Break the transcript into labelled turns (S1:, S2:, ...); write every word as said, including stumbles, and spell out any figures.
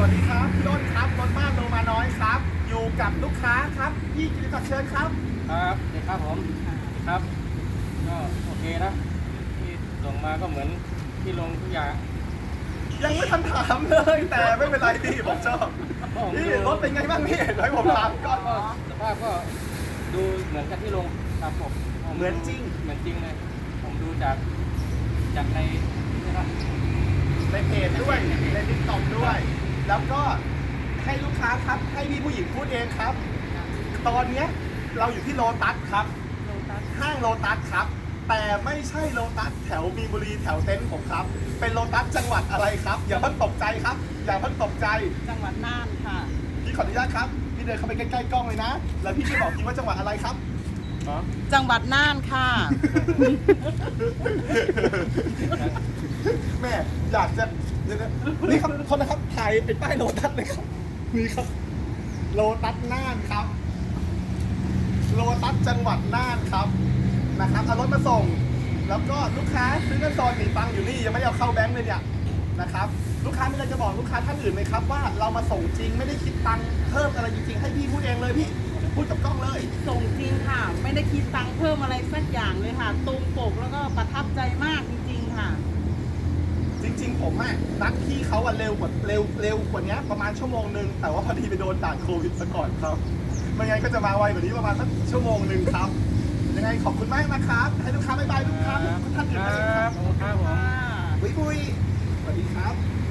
S1: วัสดีครับพี่อ้นครับรถบ้านโลมาน้อยครับอยู่กับลูกค้าครับพี่กิติศักดิ์เชิญครับ
S2: ครับเด็กครับผมครับก็โอเคนะที่ส่งมาก็เหมือนที่ลงทุกอย่าง
S1: ยังไม่ทันถามเลยแต่ไม่เป็นไรพี่ผมชอบพี่รถเป็นไงบ้างพี่ให้ผมถามก่อน
S2: ก็สภาพก็ดูเหมือนกับที่ลงครับผม
S1: เหมือนจริง
S2: เหมือนจริงเลยผมดูจากจากในนี่นะ
S1: ในเพจด้วยในติ๊กต็อกด้วย แล้วก็ให้ลูกค้าครับให้พี่ผู้หญิงพูดเองครับ ตอนเนี้ยเราอยู่ที่โลตัสครับห้างโลตัสครับ แต่ไม่ใช่โลตัสแถวมีนบุรีแถวเต็นท์ผมครับ เป็นโลตัสจังหวัดอะไรครับ อย่าเพิ่งตกใจครับ อย่าเพิ่งตกใจ
S3: จังหวัดน่านค่ะ
S1: พี่ขออนุญาตครับ พี่เดินเข้าไปใกล้ๆกล้องเลยนะ แล้วพี่ช่วยบอกทีว่าจังหวัดอะไรครับ
S2: อ๋อ
S3: จังหวัดน่านค่ะ
S1: แม่อยากจะเดี๋ยวนะนี่ครับคนนะครับถ่ายเป็นป้ายโลตัสเลยครับนี่ครับ โลตัสน่านครับ โลตัสจังหวัดน่านครับนะครับเอารถมาส่ง แล้วก็ลูกค้าซื้อเงินซอนหนีตังค์อยู่นี่ยังไม่ได้เอาเข้าแบงค์เลยเนี่ยนะครับ ลูกค้ามีอะไรจะบอกลูกค้าท่านอื่นไหมครับว่าเรามาส่งจริงไม่ได้คิดตังค์เพิ่มอะไรจริงๆให้พี่พูดเองเลยพี่พูดกับกล้องเลย
S3: ส่งจริงค่ะ ไม่ได้คิดตังค์เพิ่มอะไรสักอย่างเลยค่ะ ตรงปกแล้วก็ประทับใจมากจริงๆค่ะ
S1: จริงๆผมอะนัดพี่เขาอะเร็วกว่าเร็วเร็วกว่านี้ประมาณชั่วโมงหนึ่งแต่ว่าพอดีไปโดนด่านโควิดซะก่อนครับไม่งั้นก็จะมาไวกว่านี้ประมาณสักชั่วโมงหนึ่งครับยังไงขอบคุณมากนะครับให้ลูกค้าบ๊ายบายลูกค้าทุกท่านอื่น
S2: ค
S1: นะค
S2: รั
S1: รั
S2: บบ ครับผม
S1: บุยบุยสวัสดีครับ